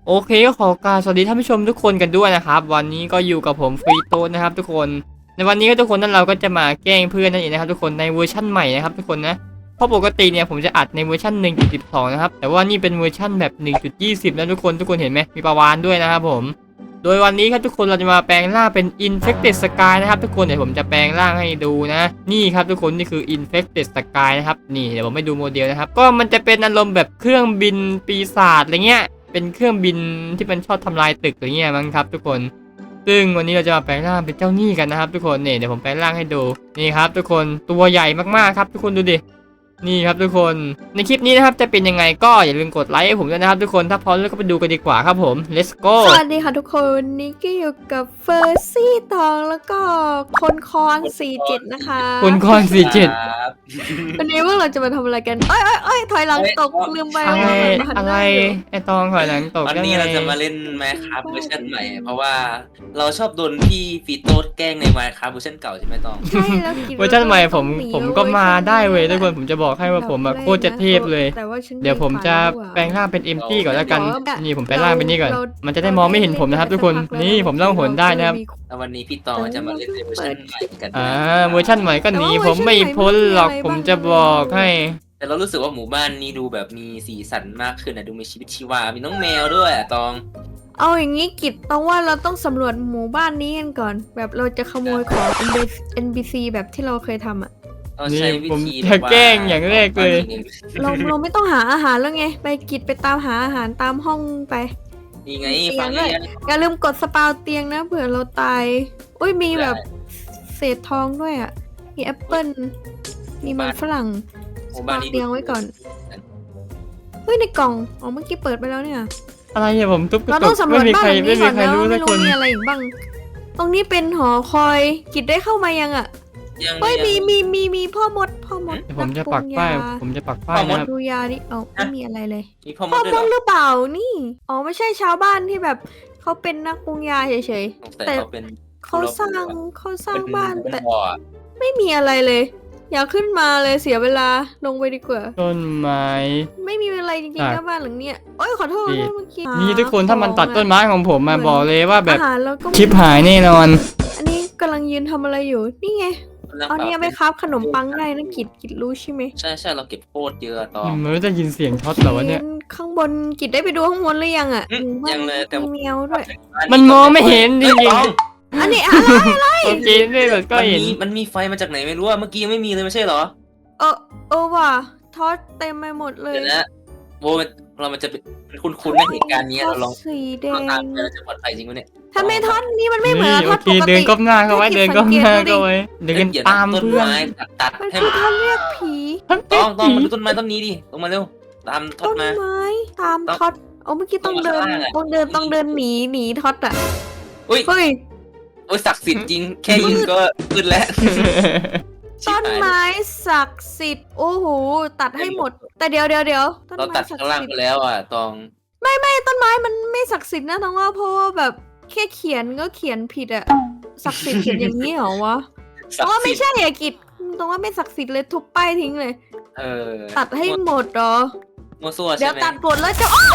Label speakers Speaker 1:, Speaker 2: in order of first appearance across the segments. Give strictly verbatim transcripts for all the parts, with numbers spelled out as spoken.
Speaker 1: โอเคก็ขอกราบสวัสดีท่านผู้ชมทุกคนกันด้วยนะครับวันนี้ก็อยู่กับผมฟรีโต้นะครับทุกคนในวันนี้ก็ทุกคนนั้นเราก็จะมาแกล้งเพื่อนนั่นเองนะครับทุกคนในเวอร์ชั่นใหม่นะครับทุกคนนะเพราะปกติเนี่ยผมจะอัดในเวอร์ชัน หนึ่งจุดสิบสอง นะครับแต่ว่านี่เป็นเวอร์ชันแบบ หนึ่งจุดยี่สิบ นะทุกคนทุกคนเห็นไหมมีปลาวาฬด้วยนะครับผมโดยวันนี้ครับทุกคนเราจะมาแปลงร่างเป็น Infected Sky นะครับทุกคนเดี๋ยวผมจะแปลงร่างให้ดูนะนี่ครับทุกคนนี่คือ Infected Sky นะครับนี่เดี๋ยวผมให้ดูโมเดลนะครับก็มันจะเป็นอารมณ์แบบเครื่องบินปีศาจอะไรเงี้ยเป็นเครื่องบินที่มันชอบทำลายตึกอะไรเงี้ยมั้งครับทุกคนซึ่งวันนี้เราจะมาแปลงร่างเป็นเจ้าหนี้กันนะครับทุกคนเนี่ยเดี๋ยวผมแปลงร่างให้ดูนี่ครับทุกคนตัวใหญ่มากๆครับทุกคนดูดินี่ครับทุกคนในคลิปนี้นะครับจะเป็นยังไงก็อย่าลืมกดไลค์ให้ผมด้วยนะครับทุกคนถ้าพร้อมแล้วก็ไปดูกันดีกว่าครับผม let's go
Speaker 2: สวัสดีค่ะทุกคนนี่ก็อยู่กับเฟอร์ซี่ทองแล้วก็คนคอนสี่เจ็ดนะคะ
Speaker 1: คุณคอนสี่เจ็ด
Speaker 3: ครับ
Speaker 2: วันนี้ว่าเราจะมาทำอะไรกันเอ้ยเอ้ยเอ้ยถอยหลังตกลืมไป
Speaker 1: อะไร
Speaker 2: ว่ามันหัน
Speaker 1: อะ
Speaker 2: ห
Speaker 1: ไร
Speaker 2: น้าอยู่
Speaker 1: ไอตองถอยหลังตก
Speaker 3: วัน
Speaker 1: ยัง
Speaker 3: นี้
Speaker 1: ไง
Speaker 3: เราจะมาเล่น Minecraft เวอร์ชันใหม่ เพราะว่าเราชอบโดนพี่ฟีโต้แกล้งใน Minecraft เวอร์ชันเก่าใช่ไหมตอง
Speaker 2: ใช่แล้วกิน
Speaker 1: เวอร์ชันใหม่ผม
Speaker 2: ต้องหนี
Speaker 1: ผมก็มาได้เว้ยทุกคน
Speaker 2: ว
Speaker 1: ผมจะบอกให้ว่าผมอะโคตรจะเทพเลย
Speaker 2: แต่ว่าฉัน
Speaker 1: เดี๋ยวผมจะแปลงร่างเป็นเอ็มตี้ก่อนแล้วกันนี่ผมแปลงร่างเป็นนี่ก่อนมันจะได้มองไม่เห็นผมนะครับทุกคนนี่ผมล่องหนได้นะครับ
Speaker 3: แล้ววันนี้พี่ตองจะมาเล่นในเวอร์ชันใหม่กัน
Speaker 1: อ่าเวอร์ชันใหม่ก็หนีผมไม่พ้นหรอกผมจะบอกให้
Speaker 3: แต่เรารู้สึกว่าหมู่บ้านนี้ดูแบบมีสีสันมากขึ้นนะดูมีชีวิตชีวา มีน้องแมวด้วยอะตอง
Speaker 2: เอาอย่างนี้กิจต้องว่าเราต้องสำรวจหมู่บ้านนี้กันก่อน แบบเราจะขโมยของ เอ็น พี ซี แบบที่เราเคยทำอะ
Speaker 3: เราใช้วิ
Speaker 1: ผม
Speaker 3: ธี
Speaker 1: จะแกล้งอย่างแรกเลย
Speaker 2: เราเราไม่ต้องหาอาหารแล้วไง ไปกิจไปตามหาอาหารตามห้องไป
Speaker 3: นี่ไง
Speaker 2: เตีย
Speaker 3: ฟั
Speaker 2: ง
Speaker 3: ง
Speaker 2: ด้วย
Speaker 3: เนี่ย
Speaker 2: อย่าลืมกดสปาวเตียงนะเผื่อเราตาย อุ้ยมีแบบเศษทองด้วยอ่ะ มีแอปเปิ้ลมีมันฝรั่ง
Speaker 3: ห
Speaker 2: ส
Speaker 3: มู่
Speaker 2: ปา
Speaker 3: บ้าน
Speaker 2: ว
Speaker 3: นี้
Speaker 2: เตียงไว้ก่อน เฮ้ยในกล่องอ๋อเมื่อกี้เปิดไปแล้วเนี่ย
Speaker 1: อะไรเนี่ยผมทุบกระ
Speaker 2: เรา
Speaker 1: จ
Speaker 2: ต้อก งสำร
Speaker 1: ไม่
Speaker 2: วจ
Speaker 1: มี
Speaker 2: บ้า
Speaker 1: ใคน ร
Speaker 2: หลัง
Speaker 1: ไม่
Speaker 2: นี้
Speaker 1: มี
Speaker 2: ก่อน
Speaker 1: ใคร
Speaker 2: นะ
Speaker 1: รู้
Speaker 2: ไม่
Speaker 1: สักค
Speaker 2: รู้
Speaker 1: น
Speaker 2: มีอะไรอีกบ้าง ตรงนี้เป็นหอคอย กิจได้เข้ามายังอ่ะ
Speaker 3: ยัง
Speaker 2: เฮ้ย
Speaker 3: ยัง
Speaker 2: มีมีมีมีพ่อมดพ่อมด
Speaker 1: เดี๋ยวผมจะ
Speaker 2: นั
Speaker 1: ปัก
Speaker 2: รุง
Speaker 1: ป้าย
Speaker 2: ย
Speaker 1: ผมจะปักป้ายนะครับ
Speaker 2: ดูยาดิเอาไม่มีอะไรเลย
Speaker 3: มีพ่อม
Speaker 2: พ่อ
Speaker 3: ดด้วย
Speaker 2: ม
Speaker 3: เหรอ
Speaker 2: ดหรือเปล่านี่ อ๋อไม่ใช่ชาวบ้านที่แบบเขาเป็นนักปรุงยาเฉย
Speaker 3: สงสัยเขาเป็น
Speaker 2: ๆเขาสร้างเขาสร้าง
Speaker 3: เป็น
Speaker 2: บ้าน
Speaker 3: เป็น
Speaker 2: แต่
Speaker 3: บ่ออะ
Speaker 2: ไม่มีอะไรเลย อย่าขึ้นมาเลยเสียเวลาลงไปดีกว่า
Speaker 1: ต้นไม้
Speaker 2: ไม่มีอะไรจริง
Speaker 1: อ่ะ
Speaker 2: ๆนะบ้านหลังเนี้ยโอ้ยขอโทษ
Speaker 1: ดี
Speaker 2: เมื่อกี้
Speaker 1: นี่ทุกคนถ้ามันตัดต้นไม้ของผมมาบอกเลยว่าแบบ
Speaker 2: อาหารแล้วก็
Speaker 1: คลิปหายแน่นอน
Speaker 2: อันนี้กำลังยืนทำอะไรอยู่นี่ไงเอาเนี่ยไปคราฟขนมปังได้นะกิดกิดรู้ใช่ไหม
Speaker 3: ใช่ใช่เราเก็บโคตรเยอะตอง
Speaker 1: มันไม่ได้ยินเสียงช็อตเหรอวะเนี่ย
Speaker 2: ข้างบนกิดได้ไปดูข้างบนหรือยังอ่ะ
Speaker 3: อืม
Speaker 2: หมู่บ้าน
Speaker 3: ยังเลยแต่
Speaker 2: มีแมวด้วย
Speaker 1: มันมองไม่เห็นจริง
Speaker 2: อันนี้อะไร
Speaker 1: ๆโอเคนี่แบบก็
Speaker 3: มัน
Speaker 1: เห็น
Speaker 3: มีมันมีไฟมาจากไหนไม่รู้อะเมื่อกี้ยังไม่มีเลยไม่ใช่เหรอ
Speaker 2: เออเออว่ะทอดเต็มไปหมดเลย
Speaker 3: เดี๋ยวนะโบมันเรามันจะเป็นคุ้นๆในเหตุการณ์นี้เราลอง
Speaker 2: ทอดสีแด
Speaker 3: เราตาม
Speaker 2: ง
Speaker 3: ไปเราจะปลอดภัยจริงวะเนี่ย
Speaker 2: ทำไมทอดนี้มันไม่เหมือน
Speaker 1: นี่
Speaker 2: ท
Speaker 1: โอ
Speaker 2: อด
Speaker 1: เค
Speaker 2: ปก
Speaker 1: เดิน
Speaker 2: ติ
Speaker 1: ก้มหน้าเข้าไว้เดินก้มหน้าเข้าไว้เดิน
Speaker 3: ดี๋ยวะ
Speaker 1: ตาม
Speaker 3: ต้น
Speaker 1: เพื่อน
Speaker 3: ไม้ตัดตัด
Speaker 2: มัน
Speaker 3: ให้
Speaker 2: คือทอดเรียกผี
Speaker 3: ต้องต้องมาดูต้นไม้ต้นนี้ดิลงมาเร็วตามทอ
Speaker 2: ต้
Speaker 3: ด
Speaker 2: น
Speaker 3: มา
Speaker 2: ไม้ตาม
Speaker 3: ต้อง
Speaker 2: ทอดโอ้เมื่อกี้ต้องเดิน
Speaker 3: ต้องมาข้างล่างอะ
Speaker 2: ต้องเดินต้องเดินหนีหนีทอดอ่ะ
Speaker 3: อุ้ย
Speaker 2: เฮ้ย
Speaker 3: โอ้ยศักดิ์สิทธิ์จริงแค่ยิงก็ขึ้นแล้ว
Speaker 2: ต้นไม้ศักดิ์สิทธิ์โอ้โหตัดให้หมด แต่เดี๋ยวเดี๋ยวเดี๋ยวต้น
Speaker 3: เรา
Speaker 2: ไม้
Speaker 3: ตัด
Speaker 2: ศัก
Speaker 3: ข้าง
Speaker 2: ดิ์
Speaker 3: ล่าง
Speaker 2: สิท
Speaker 3: ไป
Speaker 2: ธิ์
Speaker 3: แล้วอ่ะตอง
Speaker 2: ต้นไม้มันไม่ศักดิ์สิทธิ์นะต้องว่าเพราะว่าแบบแค่เขียนก็เขียนผิดอะศักดิ์สิทธิ์เขียนอย่างนี้เหรอวะ
Speaker 3: ศั
Speaker 2: ต้
Speaker 3: ก
Speaker 2: องว่า
Speaker 3: ดิ์สิ
Speaker 2: ไม่
Speaker 3: ทธิ์
Speaker 2: ใช่อะกิจต้องว่าไม่ศักดิ์สิทธิ์เลยทุบป้ายทิ้งเลย
Speaker 3: เออ
Speaker 2: ตัดให้หมดเหรอ
Speaker 3: มัวซั่ว
Speaker 2: เดี๋
Speaker 3: ใช่
Speaker 2: ยว
Speaker 3: ไหม
Speaker 2: ตัดหมดแล้วจะโอ้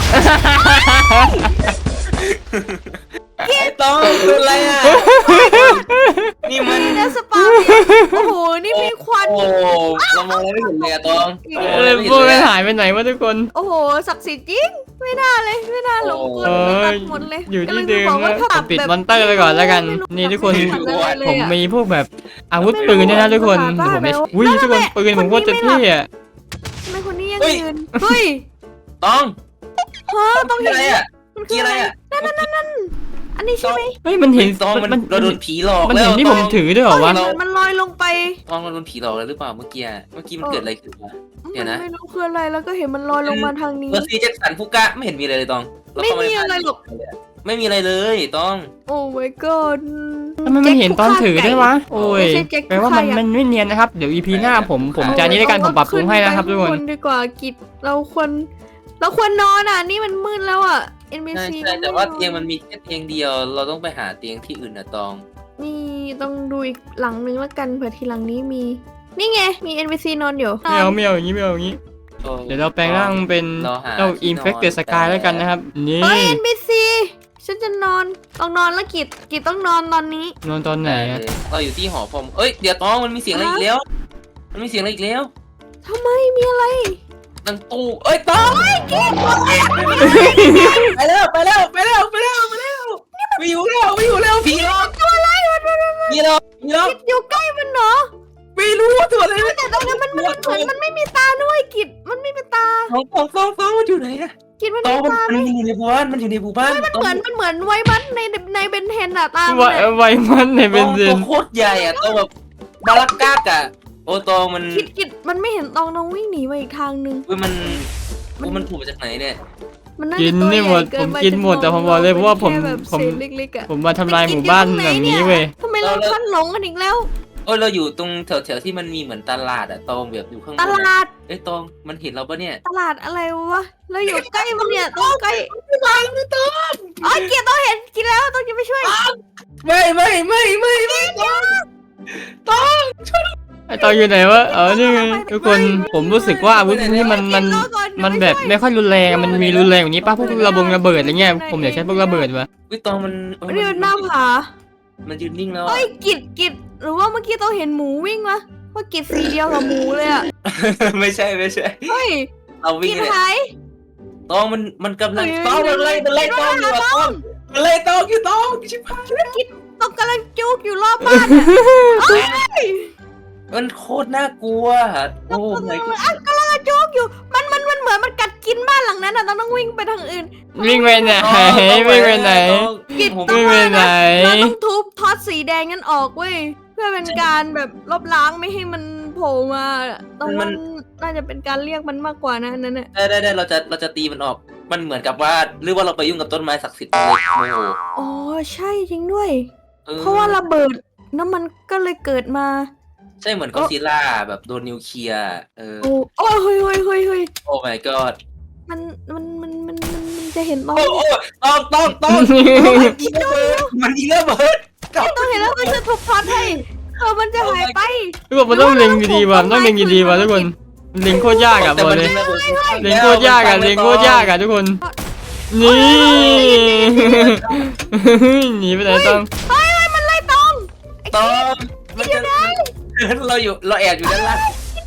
Speaker 3: ไอ้ตองเป็นไรอ่ะนี่มัน
Speaker 2: ยนะสปาเนี่ยโอ้โหนี่มีควัน
Speaker 3: โอ้เรามองอะไรไม่เห็นเลยอะตอง
Speaker 1: เออพวกมันหายไปไหนวะทุกคน
Speaker 2: โอ้โหศักดิ์สิทธิ์จริงไม่น่าเลยไม่น่าหลงกล
Speaker 1: เอ
Speaker 2: ตั
Speaker 1: อ
Speaker 2: ดหมดเลย
Speaker 1: อยู่ที่
Speaker 2: กำลังจะ
Speaker 1: เดิม
Speaker 2: บอกว่า
Speaker 1: นะ
Speaker 2: ถ้า
Speaker 1: ผ
Speaker 2: ตั
Speaker 1: ม
Speaker 2: ด
Speaker 1: ปิด
Speaker 2: แบบ
Speaker 1: มอนเตอร์ไปก่อนแล้วกัน
Speaker 2: ไม่รู้
Speaker 1: นี่ทุกคน
Speaker 2: ไม่รู้ทำอะไรเลย
Speaker 1: ผม
Speaker 2: อะ
Speaker 1: มีพวกแบบอาวุธปืนด้วยนะทุกคนเดี๋ยวผมไม่อุ้ยทุกคนปืนผมโคตรจะเท่อะ
Speaker 2: ทำไมคนนี้ยังยืนเฮ้ย
Speaker 3: ตอง
Speaker 2: ฮะต้อง
Speaker 3: กี่
Speaker 2: เห็น
Speaker 3: อะไรอ่ะ
Speaker 2: มันคื
Speaker 3: กี่
Speaker 2: อ
Speaker 3: อะ
Speaker 2: อะไร ไร
Speaker 3: อ่ะ
Speaker 2: อันนี้ใช่ไหม
Speaker 1: เฮ้ยมันเห็น
Speaker 3: ตองมัน
Speaker 1: มัน
Speaker 3: เราโดนผีหลอก
Speaker 1: มัน
Speaker 3: แล้ว
Speaker 1: เห็นที่ผมถือด้วยเหรอวะ
Speaker 2: เห็นมันลอยลงไป
Speaker 3: ตองเราโดนผีหลอกแล้วหรือเปล่าเมื่อกี้อะเมื่อกี้มันเกิดอะไรขึ้นวะ เดี๋ยวนะ
Speaker 2: ไม่รู้คืออะไรแล้วก็เห็นมันลอยลงมาทางนี้
Speaker 3: เมอร์ซี่แจ็คสันฟุกะไม่เห็นมีอะไรเลยตองเราเข้าา
Speaker 2: ไม่มีอะไรหรอก
Speaker 3: ไม่มีอะไรเลยตอง
Speaker 2: โอ้ my god
Speaker 1: ทำไมมันเห็นตอนถือด้วยวะโอ้ย
Speaker 2: ไม่ใช่แจ็ค
Speaker 1: แปลว่ามัน
Speaker 2: ผู้ฆ่ายักษ์
Speaker 1: มันไม่เนียนนะครับเดี๋ยวอีพีหน้าผมผมจะอันนี้ในการผมปรับปรุงให้นะครับทุกคน
Speaker 2: ขึ้ไปข้างบดีกว่ากิจเราควรเราควรนอนอ่ะนี่มันมืดแล้วอ่ะ เอ็น บี
Speaker 3: ใช่
Speaker 2: ซี
Speaker 3: ใช่แต่ว่าเตียงมันมีแค่เตียงเดียว เราต้องไปหาเตียงที่อื่นนะตอง
Speaker 2: นี่ต้องดูอีกหลังนึงแล้วกันเผื่อทีหลังนี้มี นี่ไงมี เอ็น บี ซี นอนอยู่
Speaker 1: ไม่เอาไม่เอาอย่างนี้ไม่เอาอย่างนี้
Speaker 3: โอ้
Speaker 1: เดี๋ยวเราแปลงร่างเป็น
Speaker 3: เราหา
Speaker 1: เจ้า
Speaker 3: ที่นอน
Speaker 1: Infected Sky แล้วกันนะครับ นี่
Speaker 2: เฮ้ย เอ็น พี ซี ฉันจะนอนต้องนอนแล้วกิจกิจต้องนอนตอนนี้
Speaker 1: นอนตอนไหนอะ
Speaker 3: เราอยู่ที่หอพรมเอ้ยเดี๋ยวต้องมันมีเสียงอะไรอีกแล้ว มันมีเสียงอะไรอีกแล้ว
Speaker 2: ทำไมมีอะไร
Speaker 3: ดังตู้เอ้ยต้องไปแล้วไปแล้วไปแล้วไปแล้วไปแล้วไม่อยู่แล้วไม่อยู่แล้วผีหลอก
Speaker 2: ตัวอะไรวะ
Speaker 3: ผีหลอกผีหลอก
Speaker 2: กิจอยู่ใกล้มันเหรอ
Speaker 3: ไม่รู้ว่าตัวอะไร
Speaker 2: แต่ตรงนั้นมันมันเหมือนมันไม่มีตาด้วยกิจมันไม่มีตา
Speaker 3: ต้องต้องต้องต้องมันอยู่ไหนอะ
Speaker 2: กิจมัน
Speaker 3: ต้อ
Speaker 2: มี
Speaker 3: งมัน
Speaker 2: ตาไหม
Speaker 3: มันอยู่ในหมู่บ้านมันอยู่ในหมู่บ้าน
Speaker 2: มันเหมือนมันเหมือนไวบัสในในเบนเทนอะตา
Speaker 1: ไว
Speaker 2: มันอะ
Speaker 1: ไวมันในเบ
Speaker 3: ต้อน ง
Speaker 1: ซิ
Speaker 3: ตัวน โคตรใหญ่อะต้องแบบบาลักกากอะโอ้ตองมัน
Speaker 2: กิจกิจมันไม่เห็นตองน้องวิ่งหนีไปอีกทางนึง
Speaker 3: เว้ยมันมันถูกมาจากไหนเนี่ย
Speaker 2: มันน่า
Speaker 1: กิ
Speaker 2: จะ
Speaker 1: น
Speaker 2: ตัว
Speaker 1: นี่
Speaker 2: ให
Speaker 1: หม
Speaker 2: ญ่
Speaker 1: ด
Speaker 2: เกิ
Speaker 1: ผ
Speaker 2: น
Speaker 1: ม
Speaker 2: ไป
Speaker 1: กินหมดแต่ผมบอกเลยเพราะว่าผม
Speaker 2: แค่แบบ
Speaker 1: ผม
Speaker 2: เศษเล็กๆอะ
Speaker 1: ผมมาทำลายหมู่บ้านแบบนี้เว้ย
Speaker 2: ทำไมเราพลัดหลงกันอีกแล้ว
Speaker 3: โอ้ยเราอยู่ตรงแถวแถวๆที่มันมีเหมือนตลาดอะตองแบบอยู่ข้างบน
Speaker 2: ต
Speaker 3: อะ
Speaker 2: ลาด
Speaker 3: เอ้ยตองมันเห็นเราปะเนี่ย
Speaker 2: ตลาดอะไรวะเราอยู่ใกล้มันเนี่ยต้องใกล้ไม่ต้องไม่ต้องอ๋อเกียร์ต้องเห็นกินแล้วต้องจะไปช่วย
Speaker 3: ไม่ไม่ไม่ไม่ไม่ตอง
Speaker 1: ไอตอนอยู่ไหนวะเออนี่ไงทุกคนผมรู้สึกว่าอาวุธนี่มันมันมันแบบไม่ค่อยรุนแรงอะมันมีรุนแรงกว่านี้ป่ะพวกระบงระเบิดอะไรเงี้ยผมอยากใช้พวกระเบิดวะ
Speaker 3: วิตองมันเออ
Speaker 2: นี่มันหน้าผา
Speaker 3: มันยืนนิ่งแล้ว
Speaker 2: เอ้ยกิดกิดหรือว่าเมื่อกี้ต้องเห็นหมูวิ่งวะว่ากิดสีเดียวกับหมูเลยอะ
Speaker 3: ไม่ใช่ไม่ใช่
Speaker 2: เฮ้ย
Speaker 3: เราวิ่
Speaker 2: กิ
Speaker 3: ง
Speaker 2: ด
Speaker 3: เลย
Speaker 2: หาย
Speaker 3: ตองมันมันกำลัง
Speaker 2: เฮ้ย
Speaker 3: ตองมันไล่มันไล่ตองอยู่อะตองมันไล่ตองอยู่ตองชิบหาย
Speaker 2: ต้องกำลังจุกอยู่รอบบ้านเอ้ย
Speaker 3: มันโคตรน่ากลัวโอ้ไม่ก็
Speaker 2: อ่ะกำลังจุกอยู่มันมันมันเหมือนมันกัดกินบ้านหลังนั้นอะต้องต้องวิ่งไปทางอื่น
Speaker 1: วิ่งไปไหนวิ่งไปไหน
Speaker 2: กิด
Speaker 3: ผม
Speaker 2: ต้อง
Speaker 1: วิ่งไป
Speaker 2: ว่า
Speaker 1: ไหน
Speaker 2: นะเราต้องทุบท็อตสีแดงนั้นออกเว้ยเพื่อเป็นการแบบลบล้างไม่ให้มันโผล่มาตรงนั้นน่าจะเป็นการเรียกมันมากกว่านะอันนั้นน่ะ
Speaker 3: ได้ได้ได้เราจะเราจะตีมันออกมันเหมือนกับว่าหรือว่าเราไปยุ่งกับต้นไม้ศักดิ์สิทธิ์เลยโอ้โห
Speaker 2: อ๋อใช่จริงด้วย
Speaker 3: ออ
Speaker 2: เพราะว่าระเบิดน้ำมันก็เลยเกิดมา
Speaker 3: ใช่เหมือนก็อดซิลล่าแบบโดนนิวเคลียร์เออ
Speaker 2: โอ้โอ้ยเฮ้ยเฮ้ยเฮ้ยเฮ้ย
Speaker 3: โอ้ my god
Speaker 2: มันมันมันมันมันมันจะเห็นตอน
Speaker 3: โอ้โอ้ต้องต้องต้องมันยิงระเบิดมันยิงระเบิด
Speaker 2: ต้องเห็นแล้วมันจะทุบท็อตให้เออมันจะหายไป
Speaker 1: ทุกคนมันต้องเล็งดีๆว่ะมันต้องเล็งดีๆว่ะทุกคนเล็งโคตรยากอ่ะบอกเลยเล็งโคตรยากอ่ะเล็งโคตรยากอ่ะทุกคนนี่หนีไปไหนต้อง
Speaker 2: เฮ้ยเฮ้ยมันไล่ตองไอ้
Speaker 3: ต้อง
Speaker 2: กินอยู่ไหน
Speaker 3: เราอยู่เราแอบอยู่ด้านล่าง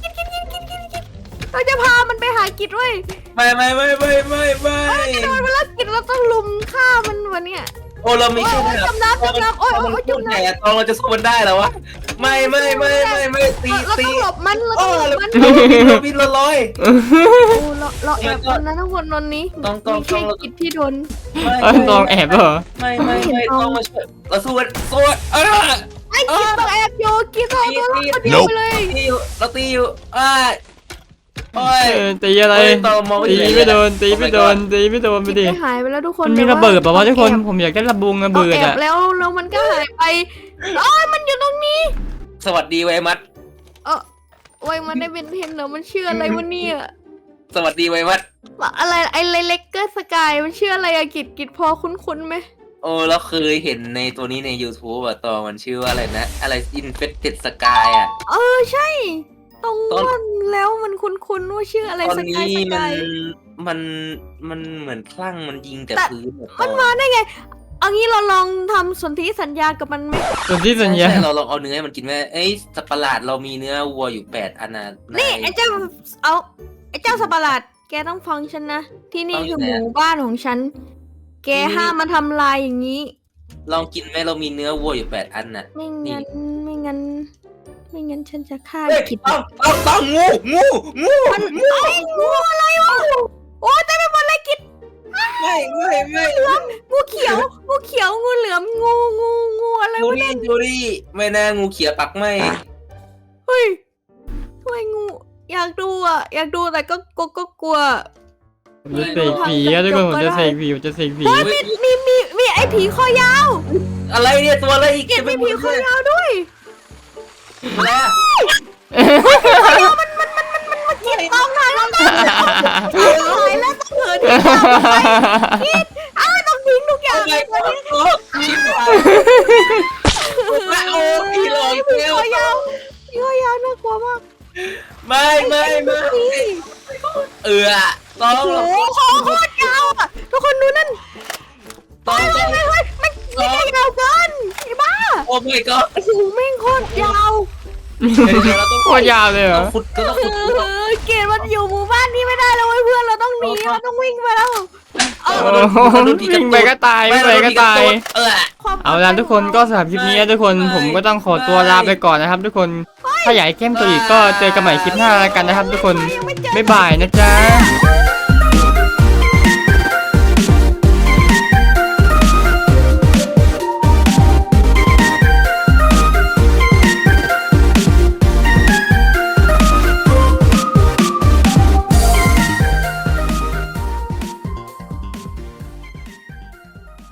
Speaker 2: เราจะพามันไปหากิจด้วย
Speaker 3: ไม่ไม่ไม่ไม่ไม่ไม่
Speaker 2: กระโดดมาแล้วกิจเราต้องลุมฆ่ามันวันเนี้ย
Speaker 3: โอ้เราไม่
Speaker 2: โอ้ย
Speaker 3: ใช่
Speaker 2: โอ้ยจำน้ำจำน้ำโอ้ยโอ้ยจำ
Speaker 3: ไหน
Speaker 2: น้ำ
Speaker 3: อะตองเราจะสู้มันได้เหรอวะไม่ไม่ไม่ไม่ไม่ตี
Speaker 2: เรา
Speaker 3: ตี
Speaker 2: ต้องหลบมันเรา
Speaker 3: โอ้
Speaker 2: ต้องหลบ
Speaker 3: เรา
Speaker 2: มัน
Speaker 3: บินเราบินเราลอย
Speaker 2: โอ้เราเราแอบคนนะทุกคนตอนนี้
Speaker 3: ต้องต้อง
Speaker 2: ไม่ใช่
Speaker 3: ต้อง
Speaker 2: กิจที่โดน
Speaker 1: เออตองแอบเหรอ
Speaker 3: ไม่ไม่ไม่ต้องมาช่วยเราสู้กันสู้กันเออ
Speaker 2: ไอ้กิจต้องแอบโยกิจต้องเอาตัวรอดคนเดียวไปเลย
Speaker 3: ตีอยู่เราตีอยู่อ้าโอ้ย
Speaker 1: เออตีอะไร
Speaker 3: เฮ้ยตองมอง
Speaker 1: ตี
Speaker 3: เห็น
Speaker 1: ไม่โดนตีไม่โดนตีไม่โดนไป
Speaker 2: กิจ
Speaker 1: ดิ
Speaker 2: ไปหายไปแล้วทุกคน
Speaker 1: มันมีระเบิดป่าวะทุกคนผมอยากได้ระบุงระเบิด
Speaker 2: แอบ
Speaker 1: อ่ะ
Speaker 2: แล้วแล้วมันก็หายไปอ๋อมันอยู่ตรงนี้
Speaker 3: สวัสดีไวมัด
Speaker 2: เออไว้มันได้เป็นเทนเหรอมันชื่ออะไรวะเนี่ย
Speaker 3: สวัสดีไวมัด
Speaker 2: อะไรไอ้เล็กเกอร์สกายมันชื่ออะไรอะกิจกิจพอคุ้นๆไหม
Speaker 3: โอ้เราเคยเห็นในตัวนี้ใน YouTube อะตอนมันชื่อว่าอะไรนะ อะไร Infected Sky อะ
Speaker 2: เออใช่ ตรง
Speaker 3: ตอน
Speaker 2: ว่าแล้วมันคุ้นๆว่าชื่ออะไร
Speaker 3: ตอน
Speaker 2: สกาย
Speaker 3: นี้
Speaker 2: ส
Speaker 3: มั
Speaker 2: กาน ย
Speaker 3: มันมันเหมือนคลั่งมันยิงแต่
Speaker 2: แต่
Speaker 3: พื้นอะ
Speaker 2: มันมาได้ไง เอางี้เราลองทำสนธิสัญญากับมันไหม
Speaker 1: ส่วนที่สัญ
Speaker 3: ใช่
Speaker 1: ญา
Speaker 3: ใช่เราลองเอาเนื้อให้มันกินไหมเอ้ยสัตว์ประหลาดเรามีเนื้อวัวอยู่แปดอันนะ
Speaker 2: นี่
Speaker 3: าย
Speaker 2: ไอ้เจ้าเอาไอ้เจ้าสัตว์ประหลาด แกต้องฟังฉันนะ ที่นี่คือหมู่บ้านของฉัน แกห้ามมาทำลายอย่างนี้
Speaker 3: ลองกินไหมเรามีเนื้อวัวอยู่แปดอันน่ะ
Speaker 2: ไม่งั้นไม่งั้นไม่งั้นฉันจะฆ่า
Speaker 3: เฮ้ย
Speaker 2: กิจ
Speaker 3: ต้องต้องต้องงูงูงู
Speaker 2: มันไอ้งูอะไรวะโอ้ยเต็มไปหมดเลยกิจ
Speaker 3: ไม่ไม่ไม่
Speaker 2: งูเขียว งูเขียว งูเหลือม งู งู งูอะไร
Speaker 3: จู
Speaker 2: วะ
Speaker 3: รี่
Speaker 2: เนี่ย
Speaker 3: จูรี่ไม่น่างูเขียวปักไม่
Speaker 2: เฮ้ยทำไมงู อยากดูอ่ะ อยากดูแต่ก็ก็ก็กลัว
Speaker 1: ผมจะเสกผีอะทุกคนผมจะเสกผีผมจะเสกผี
Speaker 2: เฮ้ยมีมีมีมีไอ้ผีคอยาว
Speaker 3: อะไรเนี่ยตัวอะไรอีก
Speaker 2: เก็บมีผีคอยาวด้วย
Speaker 3: แล้ว
Speaker 2: มันกินตองไหนแล้วกันตายแล้วต้องเหินที่ตามไปกินอ้าวต้องทิ้งทุกอย่าง
Speaker 3: อะไร
Speaker 2: เลย
Speaker 3: ก็
Speaker 2: วันนี้
Speaker 3: ชิบหายโอ้ผีหลอก
Speaker 2: ผี
Speaker 3: เร็ว
Speaker 2: คอยาวผีคอยาวน่ากลัวมาก
Speaker 3: ไม่ไม่ไม่
Speaker 2: นี่
Speaker 3: อต้อง
Speaker 2: โอ้โหคอโคตรยาวอ่ะทุกคนดูนั่น
Speaker 3: ต้อง
Speaker 2: เฮ้ยเฮ้ยเฮ้ยมันไม่ใช่ยาวเกินไอ้บ้า
Speaker 3: โอ้ my god
Speaker 2: โอ้โหแม่งโคตรยาว
Speaker 3: เราต้อง
Speaker 1: โคตรยาวเลยเหรอ
Speaker 3: ขุดก็ต้องขุด
Speaker 2: เออเกดมันอยู่หมู่บ้านนี้ไม่ได้แล้วเว้ยเพื่อนเราต้องหนีเราต้องวิ่งไปแล้วเออ
Speaker 1: โอ้โหวิ่งไปก็ตายวิ่งไปก็ตาย
Speaker 3: เออ
Speaker 1: เอาล่ะทุกคนก็สำหรับคลิปนี้นะทุกคนผมก็ต้องขอตัวลาไปก่อนนะครับ ทุกคนถ้าอยากให้เข้มตัวอีกก็เจอกันใหม่คลิปหน้าแล้วกันนะครับ ทุกคนบ๊ายบายนะจ๊ะ